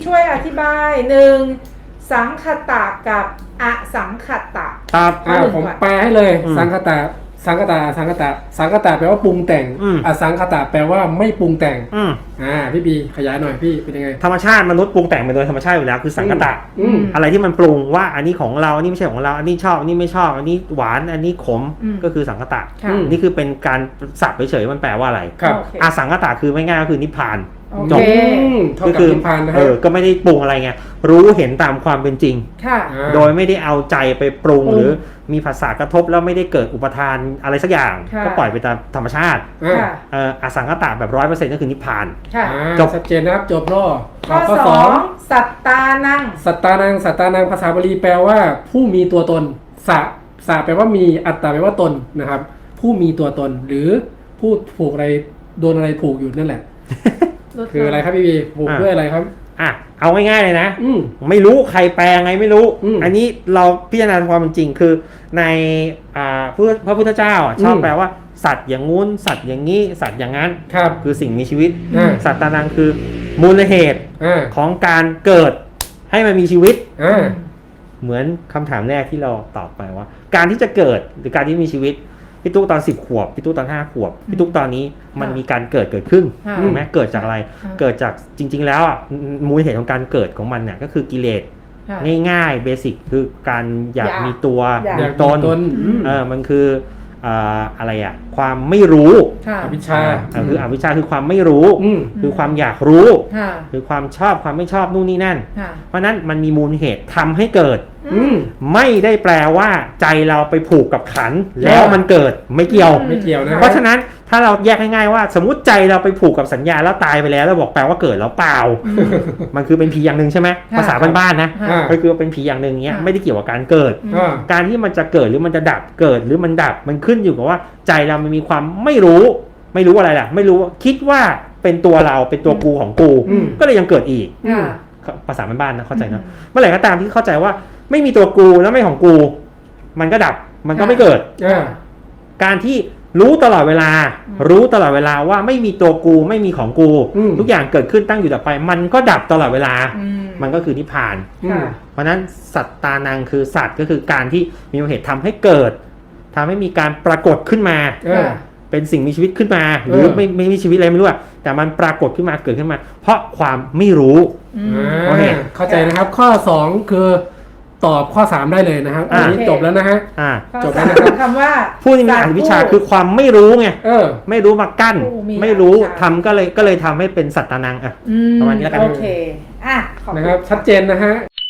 ช่วยอธิบายหนึ่งสังคตะกับอสังคตะครับผมแปลให้เลยสังคตะสังคตะแปลว่าปรุงแต่งอสังคตะแปลว่าไม่ปรุงแต่งพี่บีขยายหน่อยพี่เป็นยังไงธรรมชาติมนุษย์ปรุงแต่งไปโดยธรรมชาติอยู่แล้วคือสังคตะอะไรที่มันปรุงว่าอันนี้ของเราอันนี้ไม่ใช่ของเราอันนี้ชอบอันนี้ไม่ชอบอันนี้หวานอันนี้ขมก็คือสังคตะนี่คือเป็นการศัพท์เฉยๆมันแปลว่าอะไรอสังคตะคือไม่ง่ายก็คือนิพพานจบก็คือนิพพานนะก็ไม่ได้ปรุงอะไรไงรู้เห็นตามความเป็นจริงโดยไม่ได้เอาใจไปปรุงหรือมีภาษากระทบแล้วไม่ได้เกิดอุปทานอะไรสักอย่างก็ปล่อยไปตามธรรมชาติอสังคตะแบบ 100% ก็คือนิพพานจบชัดเจนนะครับจบรอข้อ2สัตตานังสัตตานังภาษาบาลีแปลว่าผู้มีตัวตนสะแปลว่ามีอัตตาแปลว่าตนนะครับผู้มีตัวตนหรือผู้ผูกอะไรโดนอะไรผูกอยู่นั่นแหละคืออะไรครับพี่บีผูกด้วยอะไรครับเอาง่ายๆเลยนะไม่รู้ใครแปลไงไม่รู้อันนี้เราพิจารณาความเป็นจริงคือในพระพุทธเจ้าชอบแปลว่าสัตว์อย่างงู้นสัตว์อย่างนี้สัตว์อย่างนั้นคือสิ่งมีชีวิตสัตตานังคือมูลเหตุของการเกิดให้มันมีชีวิตเหมือนคำถามแรกที่เราตอบไปว่าการที่จะเกิดหรือการที่มีชีวิตพี่ตุ๊กตอน10 ขวบพี่ตุ๊กตอน5 ขวบพี่ตุ๊กตอนนี้มันมีการเกิดขึ้นถูกไหมเกิดจากอะไรเกิดจากจริงๆแล้วมูลเหตุของการเกิดของมันเนี่ยก็คือกิเลสง่ายๆเบสิกคือการอยากมีตัวมีตนมันคืออะไรความไม่รู้อวิชชาคืออวิชชาคือความไม่รู้คือความอยากรู้คือความชอบความไม่ชอบนู่นนี่นั่นเพราะนั้นมันมีมูลเหตุทำให้เกิดไม่ได้แปลว่าใจเราไปผูกกับขันแล้วมันเกิดไม่เกี่ยวนะเพราะฉะนั้นถ้าเราแยกง่ายๆว่าสมมติใจเราไปผูกกับสัญญาแล้วตายไปแล้วแล้วบอกแปลว่าเกิดแล้วเปล่ามันคือเป็นผีอย่างหนึ่งใช่ไหมภาษาบ้านๆนะก็คือเป็นผีอย่างหนึ่งเนี้ยไม่ได้เกี่ยวกับการเกิดการที่มันจะเกิดหรือมันจะดับเกิดหรือมันดับมันขึ้นอยู่กับว่าใจเรามันมีความไม่รู้อะไรล่ะไม่รู้คิดว่าเป็นตัวเราเป็นตัวกูของกูก็เลยยังเกิดอีกภาษาบ้านๆนะเข้าใจนะเมื่อไหร่ก็ตามที่เข้าใจว่าไม่มีตัวกูแล้วไม่ของกูมันก็ดับมันก็ไม่เกิดการที่รู้ตลอดเวลาว่าไม่มีตัวกูไม่มีของกูทุกอย่างเกิดขึ้นตั้งอยู่ดับไปมันก็ดับตลอดเวลามันก็คือนิพพานเพราะนั้นสัตตานังคือสัตว์ก็คือการที่มีเหตุทำให้เกิดทำให้มีการปรากฏขึ้นมาเป็นสิ่งมีชีวิตขึ้นมาหรือไม่มีชีวิตอะไรไม่รู้แต่มันปรากฏขึ้นมาเกิดขึ้นมาเพราะความไม่รู้เข้าใจนะครับข้อ2คือตอบข้อ3ได้เลยนะครับอันนี้จบแล้วนะฮะจบแล้วนะครับคำว่าผู้ที่มีอวิชชาคือความไม่รู้ไงไม่รู้มากั้นไม่รู้ทำก็เลยทำให้เป็นสัตตานังประมาณนี้แล้วกันโอเคนะครับชัดเจนนะฮะ